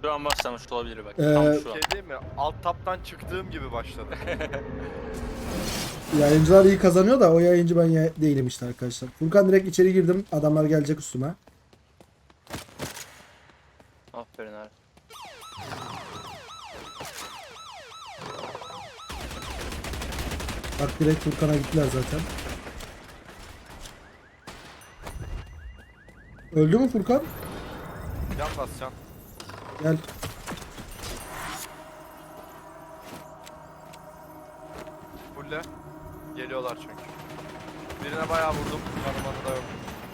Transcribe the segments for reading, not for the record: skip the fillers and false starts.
Şu an başlamış olabilir bak. Tam Tam şu şu an. Şey değil mi? Alt taptan çıktığım gibi başladı. Yayıncılar iyi kazanıyor da o yayıncı ben değilim işte arkadaşlar. Furkan direkt içeri girdim. Adamlar gelecek üstüme. Aferin abi. Bak direkt Furkan'a gittiler zaten. Öldü mü Furkan? Can bas can. Gel. Fulle. Geliyorlar çünkü. Birine bayağı vurdum. Yanımanı da yok.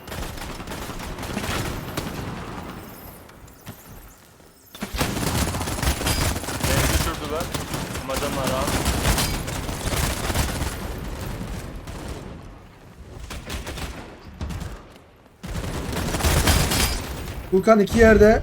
Beni düşürdüler. Macanlar abi. Furkan iki yerde.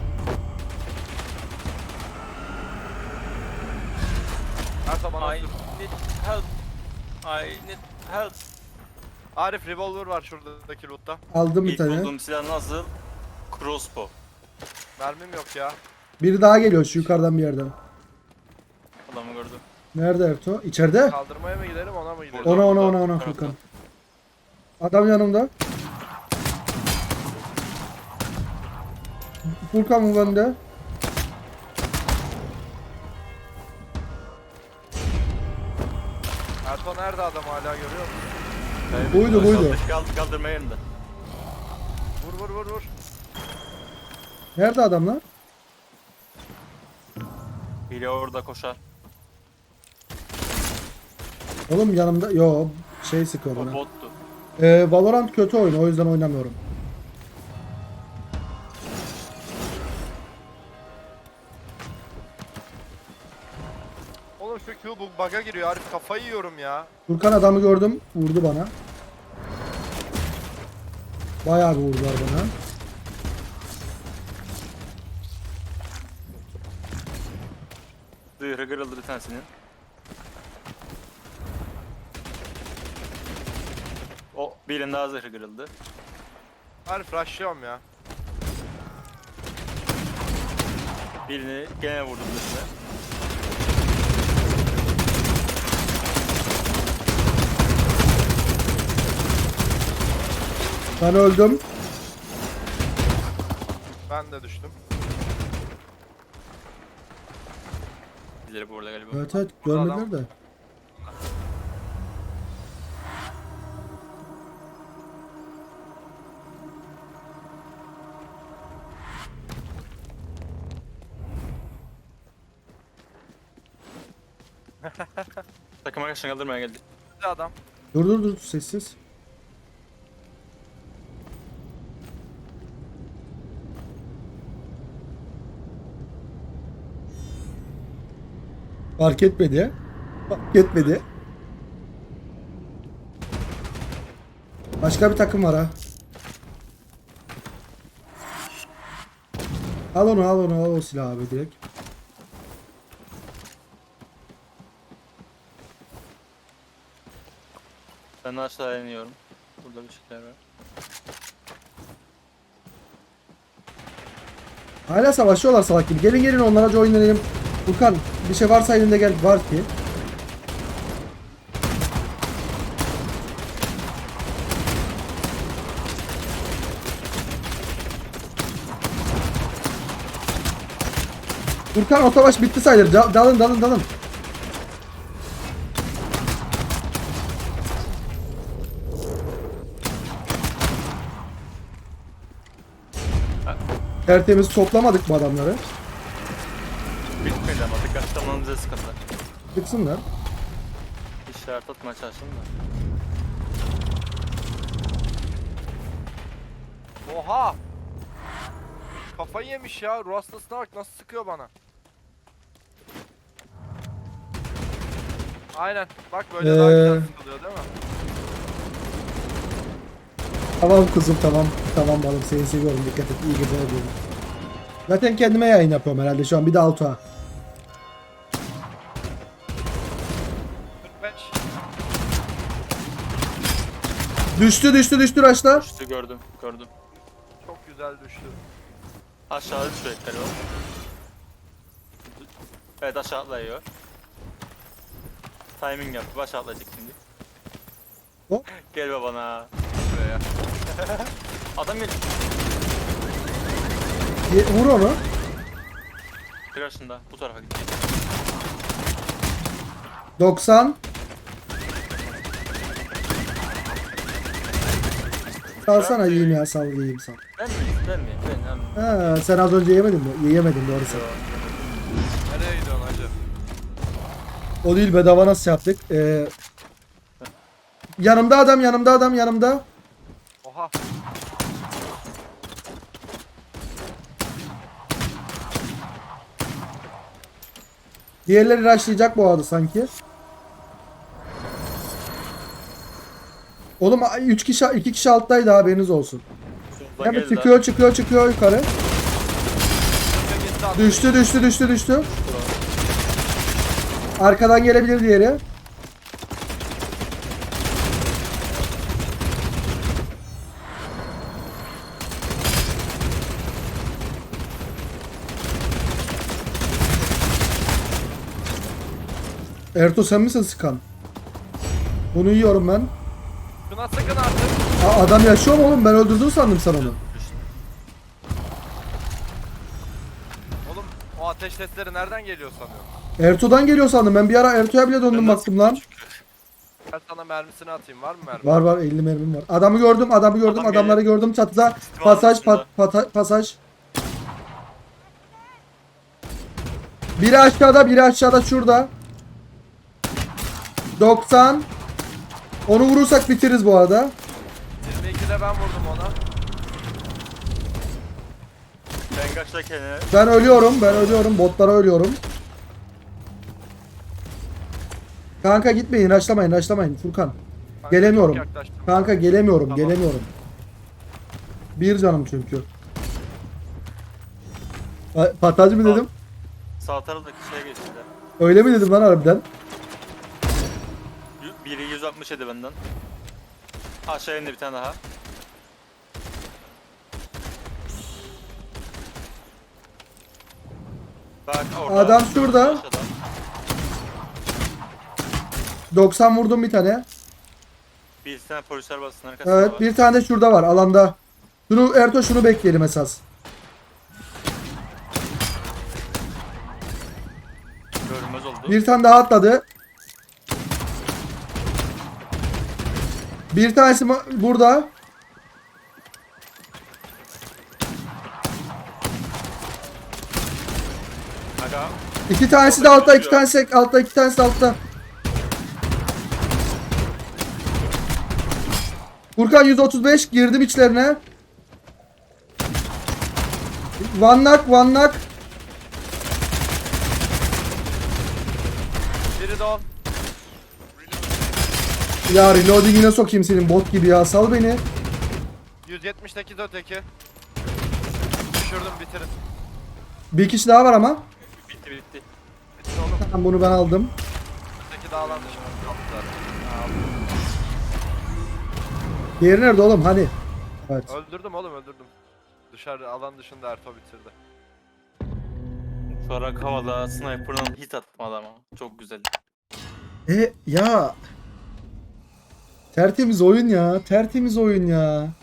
Her zaman I need help. I need help. Arif revolver var şuradaki lootta. Aldım bir İlk tane. bulduğum silah nasıl? Crossbow. Mermim yok ya. Biri daha geliyor şu yukarıdan bir yerden. Adamı gördüm. Nerede Ertuğ? İçeride. Kaldırmaya mı gidelim ona mı gidelim? Ona Furkan. Adam yanımda. Furkan mı bende? Erto nerede adam hala görüyor musun? Buydu. Kaldırma yerinde. Vur. Nerede adamlar? Biri orada koşar. Oğlum yanımda. Yo şey sıkıyor O bana. bottu. Valorant kötü oyun o yüzden oynamıyorum. Oğlum şu Q bug'a giriyor Arif kafayı yiyorum ya. Furkan adamı gördüm. Vurdu bana. Bayağı bir vurdular bana. Zırhı kırıldı bir tanesinin. O birinin daha zırhı kırıldı. Arif rushlıyorum ya. Birini gene vurdum zırhına. Ben öldüm. Ben de düştüm. Birileri burada galiba. Evet görmediler Adam- de. Takım arkadaşını kaldırmaya geldi. Bir adam. Dur sessiz. Fark etmedi. Fark etmedi. Başka bir takım var ha. Al o silahı abi direkt. Ben aşağı iniyorum. Burada bir şeyler var. Hala savaşıyorlar salak gibi. Gelin onlara join edelim. Furkan bir şey varsa elinde gel. Var ki. Furkan o savaş bitti sayılır. Dalın. Tertemiz toplamadık bu adamları. Bitmedi ama dikkatli olmanın bize sıkıntı. Çıksınlar. İşaret atmaya çalıştım da. Oha! Kafayı yemiş ya. Ruh hastasına bak nasıl sıkıyor bana. Aynen. Bak böyle daha güzel sıkılıyor değil mi? Tamam kızım tamam. Tamam balım seni seviyorum. Dikkat et. İyi geceler diyorum. Zaten kendime yayın yapıyorum herhalde şu an. Bir de Altuğ'a. 45. Düştü Raşlar. Düştü gördüm. Çok güzel düştü. Aşağıda düşüyor galiba. Evet aşağı atlıyor. Timing yaptı. Aşağı atlayacak şimdi. Hop. Gel babana. Buraya. Adam gel. Vur onu. Karşında. Bu tarafa gitti. 90. Salsana yiyeyim ya, sal yiyeyim sal. Ben mi? Ben mi? Ben. Ha, sen az önce yemedin mi? Yiyemedin doğrusu. Nereye gidiyorsun hacı? O değil, bedava nasıl yaptık? Yanımda adam, yanımda adam, yanımda. Oha. Diğerleri rushlayacak bu arada sanki. Oğlum 3 kişi 2 kişi alttaydı, haberiniz olsun. Soldan Hemen geldiler. çıkıyor yukarı. Gitti attı. Düştü. Arkadan gelebilir diğeri. Ertuğ sen misin sıkan? Bunu yiyorum ben. Şuna sakın artık. Adam yaşıyor mu oğlum? Ben öldürdüm sandım sen onu. Oğlum o ateş sesleri nereden geliyor sanıyorum? Ertuğ'dan geliyor sandım. Ben bir ara Ertuğ'a bile döndüm Ben baktım lan. Ben sana mermisini atayım, var mı mermi? Var 50 mermim var. Adamı gördüm, Adam adamları geliyor. gördüm çatıda. İstim Pasaj, altında. pasaj. Biri aşağıda şurada. 90. Onu vurursak bitiririz bu arada. 22'de ben vurdum ona. Ben kaçta kendine. Ben ölüyorum. Botlara ölüyorum. Kanka gitmeyin, rushlamayın Furkan. Kanka Gelemiyorum. çok yaklaştım. Kanka gelemiyorum. Tamam. Bir canım çünkü. Patacı mı dedim? Sağ taraftaki şeye geçti. Öyle mi dedim lan harbiden? Biri 167 benden. Aşağı indi bir tane daha. Bak orada. Adam şurada. Aşağıda. 90 vurdum bir tane. Bir tane polis arabasının arkasında Evet, var. bir tane de şurada var alanda. Şunu bekleyelim esas. Görünmez oldu. Bir tane daha atladı. Bir tanesi burada. Aga. İki tanesi de altta, iki tanesi de altta. Furkan 135 girdim içlerine. One knock. Biri de on. Ya reloading'ine sokayım senin bot gibi ya, sal beni. 178 öteki. Düşürdüm, bitirin. Bir kişi daha var ama. Bitti. Bitti oğlum. Tamam, bunu ben aldım. Öteki dağlan dışına kaldı zaten. Diğeri nerede oğlum, hani? Evet. Öldürdüm. Dışarı alan dışında Erto bitirdi. Şu ara havada sniper'dan hit attım adama. Çok güzel. Ya. Tertemiz oyun ya.